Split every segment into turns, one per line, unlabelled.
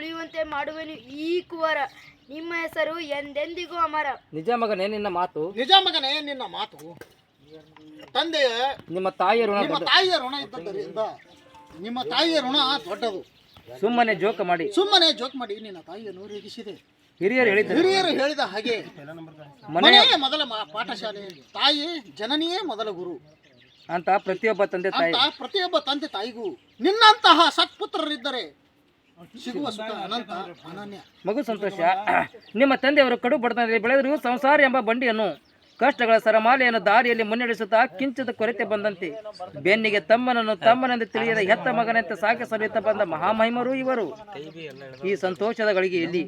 ಉಳಿಯುವಂತೆ ಮಾಡುವೆನು ಈ ಕುವರ. ನಿಮ್ಮ ಹೆಸರು ಎಂದೆಂದಿಗೂ ಅಮರ.
ನಿಜ ಮಗನೇ ನಿನ್ನ ಮಾತು.
ನಿಜ ಮಗನೇ ನಿನ್ನ ಮಾತು. ತಂದೆಯ
ನಿಮ್ಮ ತಾಯಿಯ ಋಣ
ಇದ್ದದ್ದರಿಂದ ನಿಮ್ಮ ತಾಯಿಯ ಋಣ ದೊಡ್ಡದು.
ಸುಮ್ಮನೆ ಜೋಕ ಮಾಡಿ
ನಿನ್ನ ತಾಯಿಯನ್ನು ರೇಗಿಸಿದೆ.
ಹಿರಿಯರು
ಹೇಳಿದ ಹಾಗೆ ಮನೆಯೇ ಮೊದಲ ಪಾಠಶಾಲೆ, ತಾಯಿ ಜನನಿಯೇ ಮೊದಲ ಗುರು
ಅಂತ ಪ್ರತಿಯೊಬ್ಬ ತಂದೆ
ತಾಯಿಗೂ ನಿನ್ನಂತಹ ಸತ್ಪುತ್ರರಿದ್ದರೆ ಸಿಗುವ ಸುಖ ಅನಂತ ಅನನ್ಯ.
ಮಗು ಸಂತೋಷ, ನಿಮ್ಮ ತಂದೆಯವರು ಕಡು ಬಡತನದಲ್ಲಿ ಬೆಳೆದರೂ ಸಂಸಾರ ಎಂಬ ಬಂಡಿಯನ್ನು ಕಷ್ಟಗಳ ಸರಮಾಲೆಯನ್ನು ದಾರಿಯಲ್ಲಿ ಮುನ್ನಡೆಸುತ್ತಾ ಕಿಂಚಿತ ಕೊರತೆ ಬಂದಂತೆ ಬೆನ್ನಿಗೆ ತಮ್ಮನೆಂದು ತಿಳಿಯದ ಹೆತ್ತ ಮಗನಂತೆ ಸಾಕಿ ಸಲುತ್ತಾ ಬಂದ ಮಹಾಮಹಿಮರು ಇವರು. ಈ ಸಂತೋಷದ ಗಳಿಗೆಯಲ್ಲಿ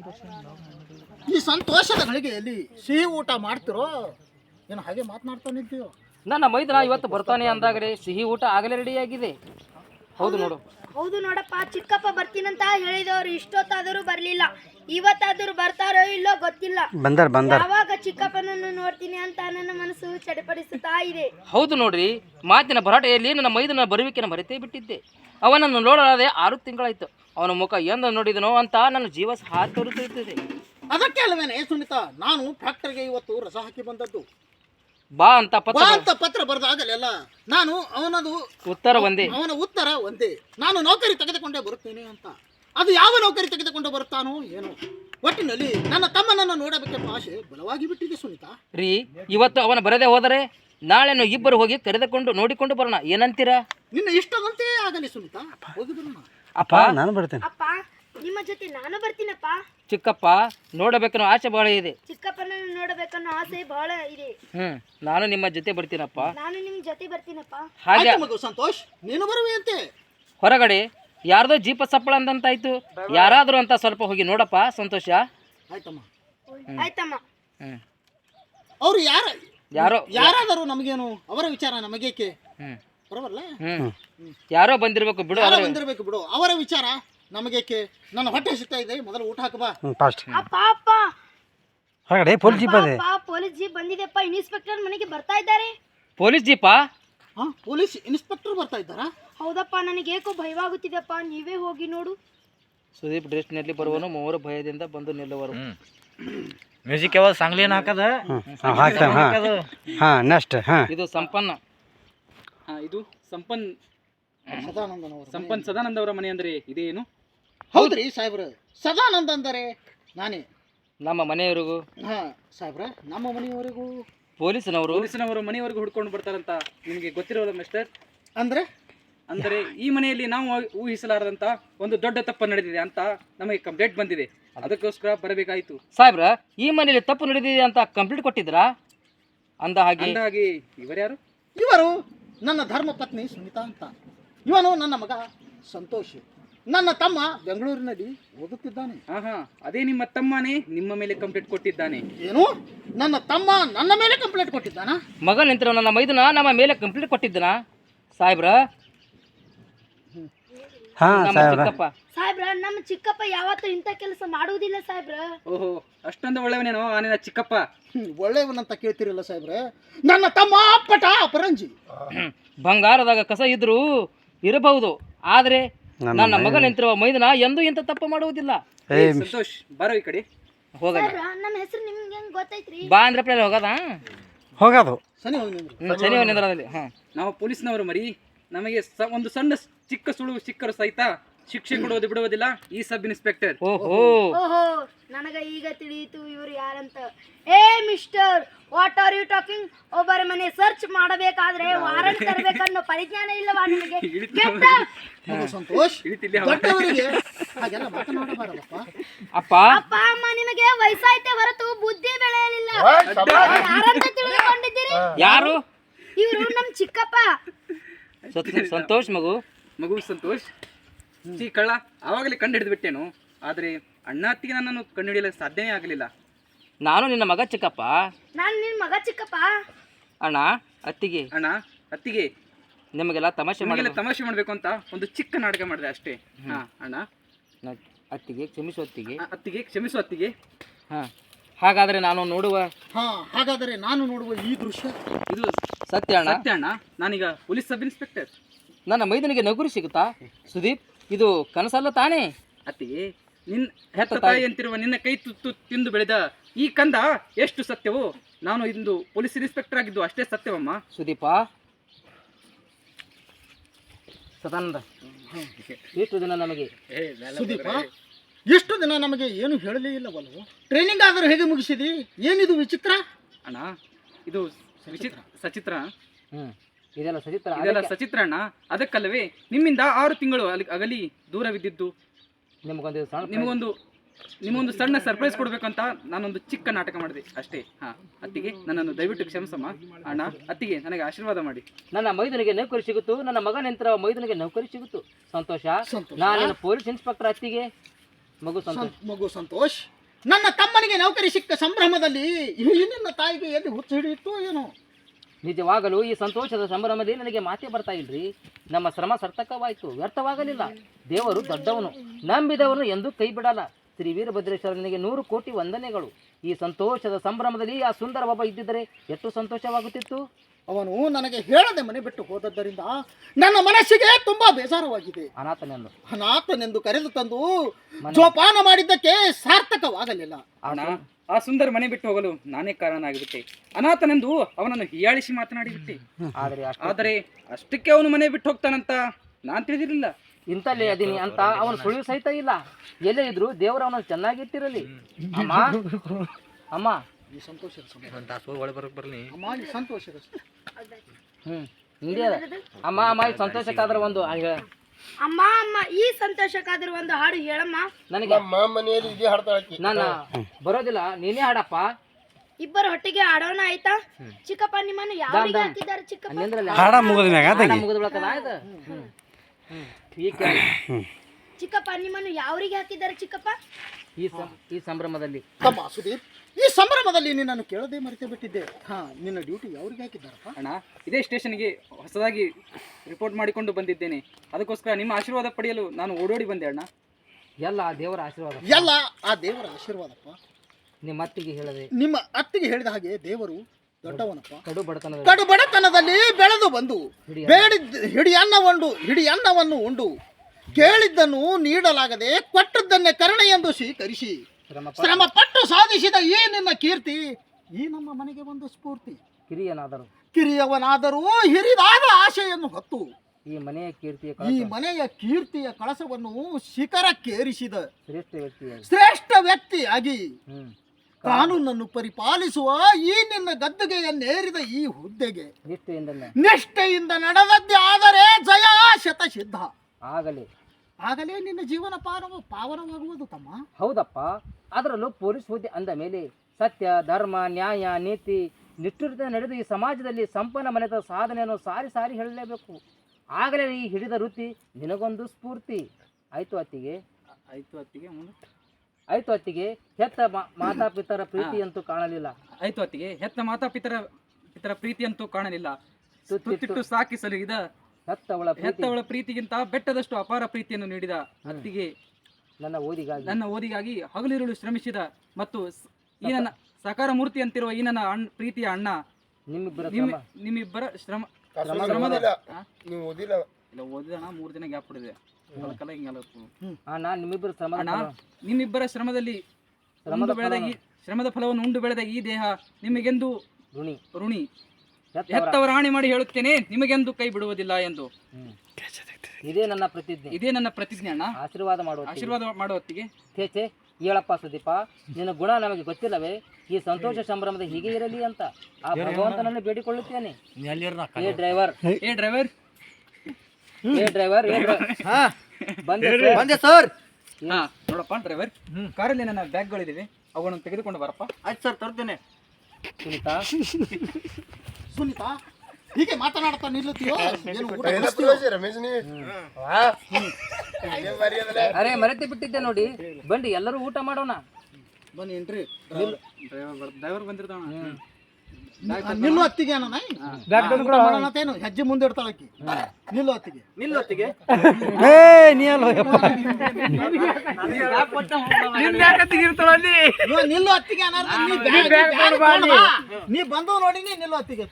ಸಿಹಿ ಊಟ ಮಾಡ್ತಿರೋ ಏನು ಹಾಗೆ ಮಾತನಾಡ್ತಾ ನಿಂತೀಯೋ?
ನನ್ನ ಮೈದನ ಇವತ್ತು ಬರ್ತಾನೆ ಅಂದಾಗಲೇ ಸಿಹಿ ಊಟ ಆಗಲೇ ರೆಡಿಯಾಗಿದೆ. ಹೌದು
ನೋಡಪ್ಪ, ಚಿಕ್ಕಪ್ಪ ಬರ್ತೀನಂತ ಹೇಳಿದವರು ಇಷ್ಟೊತ್ತಾದರೂ ಬರ್ಲಿಲ್ಲ. ಇವತ್ತಾದರೂ ಬರ್ತಾರೋ ಇಲ್ಲೋ ಗೊತ್ತಿಲ್ಲ. ಯಾವಾಗ ಚಿಕ್ಕಪ್ಪನನ್ನು ನೋಡ್ತೀನಿ ಅಂತ ನನ್ನ ಮನಸ್ಸು ಚಡಪಡಿಸುತ್ತಾ ಇದೆ.
ಹೌದು ನೋಡ್ರಿ, ಮಾತಿನ ಭರಾಟೆಯಲ್ಲಿ ನನ್ನ ಮೈದನ ಬರುವಿಕೆನ ಮರೆತೇ ಬಿಟ್ಟಿದ್ದೆ. ಅವನನ್ನು ನೋಡಲಾದೆ 6 ತಿಂಗಳಾಯ್ತು. ಅವನ ಮುಖ ಎಂದು ನೋಡಿದನೋ ಅಂತ ನನ್ನ ಜೀವ ಹಾತೊರೆಯುತ್ತಿದೆ.
ಅದಕ್ಕೆ ಅಲ್ವೇನೆ ಸುನಿತಾ, ನಾನು ಫ್ಯಾಕ್ಟರಿಗೆ ಇವತ್ತು ರಸ ಹಾಕಿ ಬಂದದ್ದು.
ಬಾ ಅಂತ
ಪತ್ರ ಬರೆದಾಗಲೆಲ್ಲ ನಾನು ಅವನ ಉತ್ತರ ಒಂದೇ, ನಾನು ನೌಕರಿ ತೆಗೆದುಕೊಂಡೇ ಬರುತ್ತೇನೆ ಅಂತ. ಅದು ಯಾವ ನೌಕರಿ ತೆಗೆದುಕೊಂಡು ಬರುತ್ತಾನೋ ಏನೋ, ಒಟ್ಟಿನಲ್ಲಿ ನನ್ನ ತಮ್ಮನನ್ನು ನೋಡಬೇಕೆಂಬ ಆಸೆ ಬಲವಾಗಿ ಬಿಟ್ಟಿದೆ ಸುನಿತಾ.
ರೀ, ಇವತ್ತು ಅವನ ಬರದೇ ಹೋದರೆ ನಾಳೆನು ಇಬ್ಬರು ಹೋಗಿ ಕರೆದುಕೊಂಡು ನೋಡಿಕೊಂಡು ಬರೋಣ, ಏನಂತೀರಾ?
ನಿನ್ನ ಇಷ್ಟದಂತೆ ಆಗಲಿ ಸುನಿತಾ, ಹೋಗಿ ಬರೋಣ.
ಅಪ್ಪ ನಾನು ಬರ್ತೇನೆ.
ಅಪ್ಪ ನಿಮ್ಮ ಜೊತೆ ನಾನು ಬರ್ತೀನಪ್ಪ.
ಚಿಕ್ಕಪ್ಪ ನೋಡಬೇಕನ್ನೋ ಆಸೆ ಬಹಳ ಇದೆ.
ಚಿಕ್ಕಪ್ಪನನ್ನು ನೋಡಬೇಕನ್ನೋ ಆಸೆ ಬಹಳ ಇದೆ.
ನಾನು ನಿಮ್ಮ ಜೊತೆ ಬರ್ತೀನಪ್ಪ.
ನಾನು ನಿಮ್ಮ ಜೊತೆ ಬರ್ತೀನಪ್ಪ.
ಹಾಗೆ
ಮಗು ಸಂತೋಷ್, ನೀನು ಬರುವೆಯಂತೆ.
ಹೊರಗಡೆ ಯಾರ್ದೋ ಜೀಪ ಸಪ್ಪಳ ಅಂತಾಯ್ತು, ಯಾರಾದರೂ ಅಂತ ಸ್ವಲ್ಪ ಹೋಗಿ ನೋಡಪ್ಪ ಸಂತೋಷ.
ಆಯ್ತಮ್ಮ.
ಅವ್ರು ಯಾರಾದರೂ ನಮಗೇನು, ಅವರ ವಿಚಾರ ನಮಗೇಕೆ? ಬರಬಲ್ಲ,
ಯಾರೋ ಬಂದಿರ್ಬೇಕು ಬಿಡು,
ಅವರ ವಿಚಾರ ನಮಗೇಕೆ? ನನ್ನ ಹೊಟ್ಟೆ ಸಿಗ್ತಾ ಇದೆ, ಮೊದಲು ಊಟ ಹಾಕಬಾ.
ಅಪ್ಪ ಹೊರಗಡೆ ಪೊಲೀಸ್ ಜೀಪ್ ಬಂದಿದೆಪ್ಪ. ಇನ್ಸ್ಪೆಕ್ಟರ್ ಮನೆಗೆ ಬರ್ತಾ ಇದ್ದಾರೆ.
ಪೊಲೀಸ್ ಜೀಪಾ?
ಪೊಲೀಸ್ ಇನ್ಸ್ಪೆಕ್ಟರ್ ಬರ್ತಾ ಇದ್ದಾರಾ?
ಹೌದಪ್ಪ, ನನಗೇಕೋ ಭಯವಾಗುತ್ತಿದೆಪ್ಪ, ನೀವೇ ಹೋಗಿ ನೋಡು.
ಸುದೀಪ್ ಡ್ರೆಸ್ನಲ್ಲಿ ಬರುವನು, ಮೂವರು ಭಯದಿಂದ ಬಂದು ನಿಲ್ಲುವರು.
ಮ್ಯೂಸಿಕ್ ಯಾವಾಗ ಸಾಂಗ್ಲಿನ ಹಾಕದ
ಇದು ಸಂಪನ್ನ,
ಇದು ಸಂಪನ್ ಸದಾನಂದ ಅವರ ಮನೆ ಅಂದ್ರೆ ಇದೇನು?
ಹೌದ್ರಿ ಸಾಹೇಬ್ರ, ಸದಾನಂದ ಅಂದರೆ ನಾನೇ.
ನಮ್ಮ ಮನೆಯವರಿಗೂ
ಸಾಹೇಬ್ರ, ನಮ್ಮ ಮನೆಯವರಿಗೂ
ಪೊಲೀಸನವರು ಮನೆಯವರೆಗೂ ಹುಡ್ಕೊಂಡು ಬರ್ತಾರಂತ ನಿಮಗೆ ಗೊತ್ತಿರೋಲ್ಲ ಮಿಸ್ಟರ್? ಅಂದರೆ ಈ ಮನೆಯಲ್ಲಿ ನಾವು ಊಹಿಸಲಾರದಂತ ಒಂದು ದೊಡ್ಡ ತಪ್ಪು ನಡೆದಿದೆ ಅಂತ ನಮಗೆ ಕಂಪ್ಲೇಂಟ್ ಬಂದಿದೆ. ಅದಕ್ಕೋಸ್ಕರ ಬರಬೇಕಾಯಿತು.
ಸಾಹೇಬ್ರ, ಈ ಮನೆಯಲ್ಲಿ ತಪ್ಪು ನಡೆದಿದೆ ಅಂತ ಕಂಪ್ಲೇಂಟ್ ಕೊಟ್ಟಿದ್ರಾ? ಅಂದ ಹಾಗೆ
ಇವರ್ಯಾರು?
ಇವರು ನನ್ನ ಧರ್ಮ ಪತ್ನಿ ಸುನಿತಾ ಅಂತ. ಇವನು ನನ್ನ ಮಗ ಸಂತೋಷ್. ನನ್ನ ತಮ್ಮ ಬೆಂಗಳೂರಿನಲ್ಲಿ ಓದುತ್ತಿದ್ದಾನೆ.
ಅದೇ ನಿಮ್ಮ ತಮ್ಮನೇ ನಿಮ್ಮ ಮೇಲೆ ಕಂಪ್ಲೇಂಟ್ ಕೊಟ್ಟಿದ್ದಾನೆ.
ಏನು? ನನ್ನ ತಮ್ಮ ನನ್ನ ಮೇಲೆ ಕಂಪ್ಲೇಂಟ್ ಕೊಟ್ಟಿದ್ದಾನ?
ಮಗ ನಿಂತಿರೋ ನನ್ನ ಮೈದನ ನಮ್ಮ ಮೇಲೆ ಕಂಪ್ಲೇಂಟ್ ಕೊಟ್ಟಿದ್ದಾನ ಸಾಹೇಬ್ರ?
ಸಾಹೇಬ್ರ, ನಮ್ಮ ಚಿಕ್ಕಪ್ಪ ಯಾವತ್ತೂ ಇಂಥ ಕೆಲಸ ಮಾಡುವುದಿಲ್ಲ ಸಾಹೇಬ್ರ.
ಓಹೋ, ಅಷ್ಟೊಂದು ಒಳ್ಳೆಯವನೇನೋ ನಿನ್ನ ಚಿಕ್ಕಪ್ಪ?
ಒಳ್ಳೆಯವನಂತ ಕೇಳ್ತಿರಲ್ಲ ಸಾಹೇಬ್ರೆ, ನನ್ನ ತಮ್ಮ ಅಪ್ಪಟ ಅಪರಂಜಿ.
ಬಂಗಾರದಾಗ ಕಸ ಇದ್ರೂ ಇರಬಹುದು, ಆದ್ರೆ ನನ್ನ ಮಗ ನಿಂತಿರುವ ಮೈದನ ಎಂದೂ ಇಂಥ ತಪ್ಪು ಮಾಡುವುದಿಲ್ಲ.
ಸಂತೋಷ್, ಬರೋ ಈ ಕಡೆ
ಹೋಗೋಣ.
ನಮ್ಮ ಹೆಸರು ನಿಮ್ಗೆ ಹೆಂಗ್ ಗೊತ್ತೈತ್ರಿ?
ಬಾ ಅಂದ್ರೆ ಹೋಗೋದು ಶನಿ ನಿಂದ್ರದಲ್ಲಿ.
ನಾವು ಪೊಲೀಸ್ನವರು ಮರಿ, ನಮಗೆ ಒಂದು ಸಣ್ಣ ಚಿಕ್ಕ ಸುಳು ಸಿಕ್ಕರು ಸಹಿತ ಶಿಕ್ಷೆ ಕೊಡುವುದು ಬಿಡುವುದಿಲ್ಲ ಈ ಸಬ್ ಇನ್ಸ್ಪೆಕ್ಟರ್.
ಓಹೋ,
ನನಗ ಈಗ ತಿಳಿಯಿತು ಇವರು ಯಾರಂತ. ಏ mister, what are you talking? ಒಬ್ಬರ ಮನೆ ಸರ್ಚ್ ಮಾಡಬೇಕಾದ್ರೆ ವಾರಂಟ್ ತರಬೇಕನ್ನೋ ಪರಿಜ್ಞಾನ ಇಲ್ಲವಾ ನಿಮಗೆ?
ಸಂತೋಷ್,
ಅಪ್ಪ
ಅಮ್ಮ ನಿಮಗೆ ವಯಸ್ಸಾಯ್ತೆ ಹೊರತು ಬುದ್ಧಿ ಬೆಳೆಯಲಿಲ್ಲ. ಯಾರಂತ ತಿಳಿದುಕೊಂಡಿದ್ದೀರಿ?
ಯಾರು?
ಇವರು ನಮ್ ಚಿಕ್ಕಪ್ಪ.
ಸಂತೋಷ್
ಮಗು ಸಂತೋಷ್. ಕಳ್ಳ ಆವಾಗಲೇ ಕಂಡು ಹಿಡಿದು ಬಿಟ್ಟೇನು, ಆದರೆ ಅಣ್ಣ ಅತ್ತಿಗೆ ನನ್ನನ್ನು ಕಂಡು ಹಿಡಿಯಲು ಸಾಧ್ಯನೇ ಆಗಲಿಲ್ಲ.
ನಾನು ನಿನ್ನ ಮಗ ಚಿಕ್ಕಪ್ಪ.
ನಾನು ನಿನ್ನ ಮಗ ಚಿಕ್ಕಪ್ಪ.
ಅಣ್ಣ ಅತ್ತಿಗೆ ನಿಮಗೆಲ್ಲ ತಮಾಷೆ
ಮಾಡಬೇಕು ಅಂತ ಒಂದು ಚಿಕ್ಕ ನಾಟಕ ಮಾಡಿದೆ ಅಷ್ಟೇ. ಅಣ್ಣ
ಅತ್ತಿಗೆ
ಕ್ಷಮಿಸು ಅತ್ತಿಗೆ.
ಹಾಗಾದರೆ ನಾನು ನೋಡುವ
ಈ ದೃಶ್ಯ
ಇದು
ಸತ್ಯ
ಅಣ್ಣ. ನಾನೀಗ ಪೊಲೀಸ್ ಸಬ್ ಇನ್ಸ್ಪೆಕ್ಟರ್.
ನನ್ನ ಮೈದನಿಗೆ ನೌಕರಿ ಸಿಗುತ್ತಾ? ಸುದೀಪ್, ಇದು ಕನಸಲ್ಲ ತಾನೇ?
ಅತ್ತಿಗೆ, ನಿನ್ನ ಹೆತ್ತ ತಾಯಿ ಅಂತಿರುವ ನಿನ್ನ ಕೈ ತುತ್ತು ತಿಂದು ಬೆಳೆದ ಈ ಕಂದ ಎಷ್ಟು ಸತ್ಯವೋ ನಾನು ಇಂದು ಪೊಲೀಸ್ ಇನ್ಸ್ಪೆಕ್ಟರ್ ಆಗಿದ್ದು ಅಷ್ಟೇ ಸತ್ಯವಮ್ಮ.
ಸುದೀಪ ಸದಾನಂದ, ಎಷ್ಟು ದಿನ ನಮಗೆ
ಸುದೀಪ ಎಷ್ಟು ದಿನ ನಮಗೆ ಏನು ಹೇಳಲೇ ಇಲ್ಲವಲ್ವ? ಟ್ರೈನಿಂಗ್ ಆದರೂ ಹೇಗೆ ಮುಗಿಸಿದಿ? ಏನಿದು ವಿಚಿತ್ರ?
ಅಣ್ಣ ಇದು ಸಚಿತ್ರ
ಇದೆಲ್ಲ ಸಚಿತ್ರ
ಇದೆಲ್ಲ ಸಚಿತ್ರ ಅಣ್ಣ. ಅದಕ್ಕಲ್ಲವೇ ನಿಮ್ಮಿಂದ 6 ತಿಂಗಳು ಅಗಲಿ ದೂರವಿದ್ದಿದ್ದು. ನಿಮಗೊಂದು ಸಣ್ಣ ಸರ್ಪ್ರೈಸ್ ಕೊಡ್ಬೇಕಂತ ನಾನೊಂದು ಚಿಕ್ಕ ನಾಟಕ ಮಾಡಿದೆ ಅಷ್ಟೇ. ಅತ್ತಿಗೆ ನನ್ನನ್ನು ದಯವಿಟ್ಟು ಕ್ಷಮಿಸಮ್ಮ ಅಣ್ಣ. ಅತ್ತಿಗೆ ನನಗೆ ಆಶೀರ್ವಾದ ಮಾಡಿ.
ನನ್ನ ಮೈದನಿಗೆ ನೌಕರಿ ಸಿಗುತ್ತು, ನನ್ನ ಮಗನಂತರ ಮೈದನಿಗೆ ನೌಕರಿ ಸಿಗುತ್ತು. ಸಂತೋಷ. ನಾನು ಪೊಲೀಸ್ ಇನ್ಸ್ಪೆಕ್ಟರ್. ಅತ್ತಿಗೆ
ಮಗು ಸಂತೋಷ್. ನನ್ನ ತಮ್ಮನಿಗೆ ನೌಕರಿ ಸಿಕ್ಕ ಸಂಭ್ರಮದಲ್ಲಿ ನಿನ್ನ ತಾಯಿಗೆ ಎಲ್ಲಿ ಹುಚ್ಚು ಹಿಡಿಯಿತು ಏನೋ?
ನಿಜವಾಗಲೂ ಈ ಸಂತೋಷದ ಸಂಭ್ರಮದಲ್ಲಿ ನನಗೆ ಮಾತೇ ಬರ್ತಾ ಇಲ್ರಿ. ನಮ್ಮ ಶ್ರಮ ಸಾರ್ಥಕವಾಯಿತು, ವ್ಯರ್ಥವಾಗಲಿಲ್ಲ. ದೇವರು ದೊಡ್ಡವನು, ನಂಬಿದವನು ಎಂದು ಕೈ ಬಿಡಲ್ಲ. ಶ್ರೀ ವೀರಭದ್ರೇಶ್ವರನಿಗೆ 100 ಕೋಟಿ ವಂದನೆಗಳು. ಈ ಸಂತೋಷದ ಸಂಭ್ರಮದಲ್ಲಿ ಆ ಸುಂದರ ಬಾಬಾ ಇದ್ದಿದ್ದರೆ ಎಷ್ಟು ಸಂತೋಷವಾಗುತ್ತಿತ್ತು.
ಅವನು ನನಗೆ ಹೇಳದೆ ಮನೆ ಬಿಟ್ಟು ಹೋದದ್ದರಿಂದ ನನ್ನ ಮನಸ್ಸಿಗೆ ತುಂಬಾ ಬೇಸರವಾಗಿದೆ. ಅನಾಥನೆಂದು ಕರೆದು ತಂದು ಜೋಪಾನ ಮಾಡಿದ್ದಕ್ಕೆ ಸಾರ್ಥಕವಾಗಲಿಲ್ಲ.
ಆ ಸುಂದರ ಮನೆ ಬಿಟ್ಟು ಹೋಗಲು ನಾನೇ ಕಾರಣನಾಗಿಬಿಟ್ಟೆ. ಅನಾಥನೆಂದು ಅವನನ್ನು ಹೀಯಾಳಿಸಿ ಮಾತನಾಡಿಬಿಟ್ಟೆ. ಆದರೆ ಅಷ್ಟಕ್ಕೆ ಅವನು ಮನೆ ಬಿಟ್ಟು ಹೋಗ್ತಾನಂತ ನಾನು ತಿಳಿದಿರಲಿಲ್ಲ.
ಇಂತಲ್ಲೇ ಅದೀನಿ ಅಂತ ಅವನು ಸುಳಿವು ಸಹಿತ ಇಲ್ಲ. ಎಲ್ಲೇ ಇದ್ರು ದೇವರು ಅವನನ್ನು ಚೆನ್ನಾಗಿಟ್ಟಿರಲಿ. ಅಮ್ಮ ಅಮ್ಮ
ಈ ಸಂತೋಷದ
ಅಮ್ಮ ಅಮ್ಮ ಈ ಸಂತೋಷಕ್ಕಾದ್ರೆ ಒಂದು
ಅಮ್ಮ ಅಮ್ಮ ಈ ಸಂತೋಷಕ್ಕಾದ್ರೆ ಒಂದು ಹಾಡು ಹೇಳಮ್ಮ.
ನನಗೆ ನಾನು ಬರೋದಿಲ್ಲ, ನೀನೇ ಹಾಡಪ್ಪ.
ಇಬ್ಬರು ಒಟ್ಟಿಗೆ ಆಡೋಣ ಆಯ್ತಾ? ಚಿಕ್ಕಪ್ಪ ನಿಮ್ಮನ್ನು ಯಾರಿಗೆ ಹಾಕಿದ್ದಾರೆ? ಚಿಕ್ಕಪ್ಪ ನಿಮ್ಮನ್ನು ಯಾರಿಗೆ ಹಾಕಿದ್ದಾರೆ ಚಿಕ್ಕಪ್ಪ?
ಈ ಸಂಭ್ರಮದಲ್ಲಿ
ಸುದೀಪ್, ಈ ಸಂಭ್ರಮದಲ್ಲಿ ನಿನ್ನನ್ನು ಕೇಳದೆ ಮರೆತೇ ಬಿಟ್ಟಿದ್ದೆ. ನಿನ್ನ ಡ್ಯೂಟಿ ಯಾರಿಗೆ ಹಾಕಿದ್ದಾರಪ್ಪ?
ಅಣ್ಣ, ಇದೇ ಸ್ಟೇಷನ್ಗೆ ಹೊಸದಾಗಿ ರಿಪೋರ್ಟ್ ಮಾಡಿಕೊಂಡು ಬಂದಿದ್ದೇನೆ. ಅದಕ್ಕೋಸ್ಕರ ನಿಮ್ಮ ಆಶೀರ್ವಾದ ಪಡೆಯಲು ನಾನು ಓಡೋಡಿ ಬಂದೆ ಅಣ್ಣ.
ಎಲ್ಲ ಆ ದೇವರ ಆಶೀರ್ವಾದ.
ಎಲ್ಲ ಆ ದೇವರ ಆಶೀರ್ವಾದಪ್ಪ.
ನಿಮ್ಮ
ಅತ್ತಿಗೆ ಹೇಳಿದ ಹಾಗೆ ದೇವರು ದೊಡ್ಡವನಪ್ಪ.
ಕಡು
ಬಡತನದಲ್ಲಿ ಬೆಳೆದು ಬಂದು ಹಿಡಿ ಅನ್ನವನ್ನು ಉಂಡು ಕೇಳಿದ್ದನ್ನು ನೀಡಲಾಗದೆ ಕೊಟ್ಟದ್ದನ್ನೇ ಕರುಣೆ ಎಂದು ಸ್ವೀಕರಿಸಿ ಶ್ರಮ ಪಟ್ಟು ಸಾಧಿಸಿದ ಈ ನಿನ್ನ ಕೀರ್ತಿ ಈ ನಮ್ಮ ಮನೆಗೆ ಒಂದು ಸ್ಫೂರ್ತಿ. ಕಿರಿಯವನಾದರೂ ಹಿರಿದಾದ ಆಶೆಯನ್ನು ಹೊತ್ತು
ಈ
ಮನೆಯ ಕೀರ್ತಿಯ ಕಳಸವನ್ನು ಶಿಖರಕ್ಕೇರಿಸಿದ
ಶ್ರೇಷ್ಠ
ವ್ಯಕ್ತಿಯಾಗಿ ಕಾನೂನನ್ನು ಪರಿಪಾಲಿಸುವ ಈ ನಿನ್ನ ಗದ್ದುಗೆಯನ್ನೇರಿದ ಈ ಹುದ್ದೆಗೆ ನಿಷ್ಠೆಯಿಂದ ನಡೆದದ್ದೇ ಆದರೆ ಜಯ ಶತಸಿದ್ಧ. ಆಗಲೇ ನಿನ್ನ ಜೀವನ ಪಾವನವಾಗುವುದು ತಮ್ಮ.
ಹೌದಪ್ಪ, ಅದರಲ್ಲೂ ಪೊಲೀಸ್ ಹುದ್ದೆ ಅಂದ ಮೇಲೆ ಸತ್ಯ, ಧರ್ಮ, ನ್ಯಾಯ, ನೀತಿ ನಿಷ್ಠುರತೆ ನಡೆದು ಈ ಸಮಾಜದಲ್ಲಿ ಸಂಪನ್ನ ಮನೆತ ಸಾಧನೆಯನ್ನು ಸಾರಿ ಸಾರಿ ಹೇಳಲೇಬೇಕು. ಆಗಲೇ ಈ ಹಿಡಿದ ವೃತ್ತಿ ನಿನಗೊಂದು ಸ್ಫೂರ್ತಿ. ಆಯ್ತು ಅತ್ತಿಗೆ. ಹೆತ್ತ ಮಾತಾಪಿತರ ಪ್ರೀತಿಯಂತೂ ಕಾಣಲಿಲ್ಲ.
ಹೆತ್ತ ಮಾತಾಪಿತರ ಪ್ರೀತಿಯಂತೂ ಕಾಣಲಿಲ್ಲ. ತುತ್ತಿಟ್ಟು ಸಾಕಿ ಸಲುಹಿದ ಹೆತ್ತವಳ ಪ್ರೀತಿಗಿಂತ ಬೆಟ್ಟದಷ್ಟು ಅಪಾರ ಪ್ರೀತಿಯನ್ನು ನೀಡಿದ ಅತ್ತಿಗೆ ನನ್ನ ಓದಿಗಾಗಿ ಹಗಲಿರುಳು ಶ್ರಮಿಸಿದ ಮತ್ತು ಈ ನನ್ನ ಸಾಕಾರ ಮೂರ್ತಿ ಅಂತಿರುವ ಈ ನನ್ನ ಪ್ರೀತಿಯ ಅಣ್ಣ ನಿಮ್ಮಿಬ್ಬರ ಶ್ರಮದ ಓದಿದ 3 ದಿನ ಗ್ಯಾಪ್ ಹೊಡೆದೆ. ನಿಮ್ಮಿಬ್ಬರ ಶ್ರಮದಲ್ಲಿ ಶ್ರಮದ ಫಲವನ್ನು ಉಂಡು ಬೆಳೆದ ಈ ದೇಹ ನಿಮಗೆಂದು ಋಣಿ. ಹೆತ್ತವರ ರಾಣಿ ಮಾಡಿ ಹೇಳುತ್ತೇನೆ, ನಿಮಗೆಂದು ಕೈ ಬಿಡುವುದಿಲ್ಲ ಎಂದು.
ಇದೇ ನನ್ನ ಪ್ರತಿಜ್ಞೆ
ಅಣ್ಣ. ಆಶೀರ್ವಾದ ಮಾಡುವ ಹೊತ್ತಿಗೆ
ಹೇಳಪ್ಪ ಸುದೀಪ, ನಿನ್ನ ಗುಣ ನಮಗೆ ಗೊತ್ತಿಲ್ಲವೇ? ಈ ಸಂತೋಷ ಸಂಭ್ರಮದ ಹೀಗೆ ಇರಲಿ ಅಂತ ಆ ಭಗವಂತನನ್ನು ಬೇಡಿಕೊಳ್ಳುತ್ತೇನೆ.
ಬಂದೆ ಸರ್.
ನೋಡಪ್ಪ ಡ್ರೈವರ್, ಕಾರಲ್ಲಿ ನನ್ನ ಬ್ಯಾಗ್ಗಳಿವೆ, ಅವುಗಳನ್ನು ತೆಗೆದುಕೊಂಡು ಬರಪ್ಪ.
ಆಯ್ತು ಸರ್, ತರ್ತೇನೆ. ಸುನೀತಾ, ಹೀಗೆ ಮಾತನಾಡ್ತಾ ನಿಲ್ಲುತ್ತೀಯೋ?
ಅರೆ ಮರೆತು ಬಿಟ್ಟಿದ್ದೆ ನೋಡಿ. ಬನ್ನಿ ಎಲ್ಲರೂ ಊಟ ಮಾಡೋಣ.
ಬನ್ನಿ ಎಂಟ್ರಿ.
ಡ್ರೈವರ್ ಬಂದಿರ್ತಾವ.
ನಿಲ್ಲು ಅತ್ತಿಗೆ ಮಾಡೋಣತೇನು? ಹೆಜ್ಜೆ ಮುಂದೆ ಇಡ್ತಾಳಕ್ಕಿ. ನಿಲ್ಲು ಅತ್ತಿಗೆ. ನಿಲ್ಲು ಅತ್ತಿಗೆ ನೀ ಬಂದು ನೋಡಿ. ನಿಲ್ಲು ಅತ್ತಿಗೆ.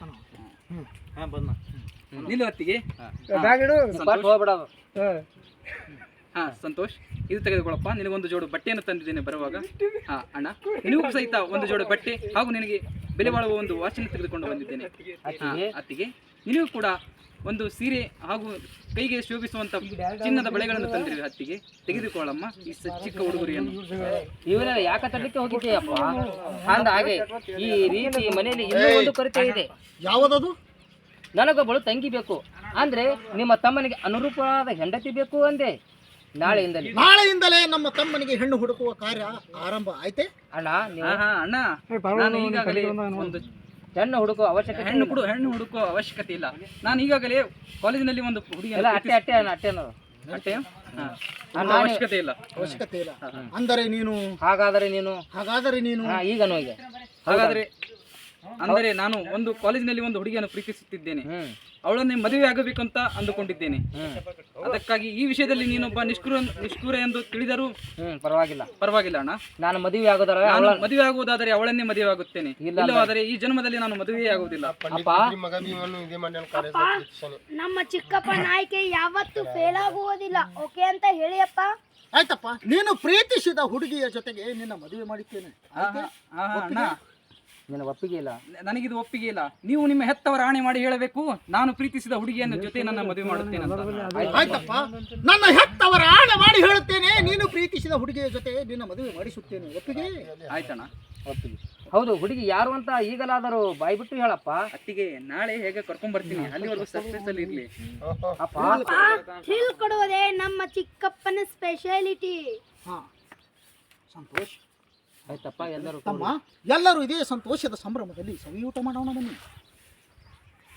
ನಿಲ್ಲು ಅತ್ತಿಗೆ. ಹಾ ಸಂತೋಷ್, ಇದು ತೆಗೆದುಕೊಳ್ಳಪ್ಪ. ನಿನಗೊಂದು ಜೋಡು ಬಟ್ಟೆಯನ್ನು ತಂದಿದ್ದೇನೆ ಬರುವಾಗ. ಹಾ ಅಣ್ಣ, ನಿನಗೂ ಸಹಿತ ಒಂದು ಜೋಡು ಬಟ್ಟೆ ಹಾಗೂ ನಿನಗೆ ಬೆಲೆ ಬಾಳುವ ಒಂದು ವಾಚನ್ನು ತೆಗೆದುಕೊಂಡು ಬಂದಿದ್ದೇನೆ. ಅತ್ತಿಗೆ ನಿನಗೂ ಕೂಡ ಒಂದು ಸೀರೆ ಹಾಗೂ ಕೈಗೆ ಶೋಭಿಸುವಂತ ಚಿನ್ನದ ಬಳೆಗಳನ್ನು ತಂದಿರುವೆ. ಅತ್ತಿಗೆ ತೆಗೆದುಕೊಳ್ಳಮ್ಮ ಈ ಚಿಕ್ಕ ಉಡುಗೊರೆಯನ್ನು.
ಇವರೆಲ್ಲ ಯಾಕೆ ತರಲಿಕ್ಕೆ ಹೋಗಿದ್ದೀಯಪ್ಪ? ಅಂದ ಹಾಗೆ ಈ ರೀತಿ ಮನೆಯಲ್ಲಿ ಇನ್ನೂ ಒಂದು ಕೊರತೆ ಇದೆ.
ಯಾವುದದು?
ನನಗೊಬ್ಬಳು ತಂಗಿ ಬೇಕು, ಅಂದ್ರೆ ನಿಮ್ಮ ತಮ್ಮನಿಗೆ ಅನುರೂಪವಾದ ಹೆಂಡತಿ ಬೇಕು ಅಂದೆ.
ನಾಳೆಯಿಂದಲೇ ನಮ್ಮ ತಮ್ಮನಿಗೆ ಹೆಣ್ಣು ಹುಡುಕುವ ಕಾರ್ಯ ಆರಂಭ ಆಯ್ತೆ.
ಅಣ್ಣ ನೀವು
ಅಣ್ಣ, ನಾನು ಈಗಾಗಲೇ ಒಂದು
ಹೆಣ್ಣು ಹುಡುಕುವ ಅವಶ್ಯಕತೆ
ಹೆಣ್ಣು ಹುಡುಕುವ ಅವಶ್ಯಕತೆ ಇಲ್ಲ. ನಾನು ಈಗಾಗಲೇ ಕಾಲೇಜಿನಲ್ಲಿ ಒಂದು ಹುಡುಗಿಯನ್ನು ಅವಶ್ಯಕತೆ ಇಲ್ಲ.
ಅವಶ್ಯಕತೆ ಇಲ್ಲ ಅಂದರೆ ನೀನು
ಹಾಗಾದರೆ ನೀನು ಈಗ
ಅಂದರೆ ನಾನು ಒಂದು ಕಾಲೇಜಿನಲ್ಲಿ ಒಂದು ಹುಡುಗಿಯನ್ನು ಪ್ರೀತಿಸುತ್ತಿದ್ದೇನೆ. ಅವಳನ್ನೇ ಮದುವೆ ಆಗಬೇಕಂತ ಅಂದುಕೊಂಡಿದ್ದೇನೆ. ಅದಕ್ಕಾಗಿ ಈ ವಿಷಯದಲ್ಲಿ ನೀನೊಬ್ಬ ನಿಷ್ಠುರ ಎಂದು ತಿಳಿದರೂ ಪರವಾಗಿಲ್ಲ ಅಣ್ಣ.
ನಾನು ಮದುವೆ
ಆಗುವುದಾದರೆ ಅವಳನ್ನೇ ಮದುವೆ ಆಗುತ್ತೇನೆ. ಇಲ್ಲವಾದರೆ ಈ ಜನ್ಮದಲ್ಲಿ ನಾನು ಮದುವೆ ಆಗುವುದಿಲ್ಲ.
ನಮ್ಮ ಚಿಕ್ಕಪ್ಪನ ಆಯ್ಕೆ ಯಾವತ್ತೂ ಫೇಲ್ ಆಗುವುದಿಲ್ಲ. ಓಕೆ ಅಂತ ಹೇಳಿಯಪ್ಪ.
ಆಯ್ತಪ್ಪ, ನೀನು ಪ್ರೀತಿಸಿದ ಹುಡುಗಿಯ ಜೊತೆಗೆ ನಿನ್ನ ಮದುವೆ ಮಾಡಿದ್ದೇನೆ.
ಅಣ್ಣ,
ನಿನ್ನ ಒಪ್ಪಿಗೆ ಇಲ್ಲ?
ನನಗಿದು ಒಪ್ಪಿಗೆ ಇಲ್ಲ. ನೀವು ನಿಮ್ಮ ಹೆತ್ತವರ ಆಣೆ ಮಾಡಿ ಹೇಳಬೇಕು, ನಾನು ಪ್ರೀತಿಸಿದ ಹುಡುಗಿಯನ್ನು ಜೊತೆ ನನ್ನ ಮದುವೆ ಮಾಡುತ್ತೇನೆ ಅಂತ.
ಆಯ್ತಪ್ಪ, ನನ್ನ ಹೆತ್ತವರ ಆಣೆ ಮಾಡಿ ಹೇಳುತ್ತೇನೆ, ನೀನು ಪ್ರೀತಿಸಿದ ಹುಡುಗಿಯ ಜೊತೆ ನಿನ್ನ ಮದುವೆ ಮಾಡಿಸುತ್ತೇನೆ. ಒಪ್ಪಿಗೆ?
ಆಯ್ತಣ್ಣ,
ಒಪ್ಪಿಗೆ. ಹೌದು, ಹುಡುಗಿ ಯಾರು ಅಂತ ಈಗಲಾದರೂ ಬಾಯಿ ಬಿಟ್ಟು ಹೇಳಪ್ಪ.
ಅತ್ತಿಗೆ ನಾಳೆ ಹೇಗೆ ಕರ್ಕೊಂಡ್ ಬರ್ತೀನಿ, ಅಲ್ಲಿವರೆಗೂ ಸರ್ಪ್ರೈಸ್ ಅಲ್ಲಿ ಇರ್ಲಿ.
ಥ್ರಿಲ್ ಕೊಡುವುದೇ ನಮ್ಮ ಚಿಕ್ಕಪ್ಪನ ಸ್ಪೆಷಾಲಿಟಿ.
ಸಂತೋಷ್
ಆಯ್ತಪ್ಪ,
ಎಲ್ಲರೂ ಇದೇ ಸಂತೋಷದ ಸಂಭ್ರಮದಲ್ಲಿ ಸವಿಯೂಟ ಮಾಡೋಣ ಬನ್ನಿ.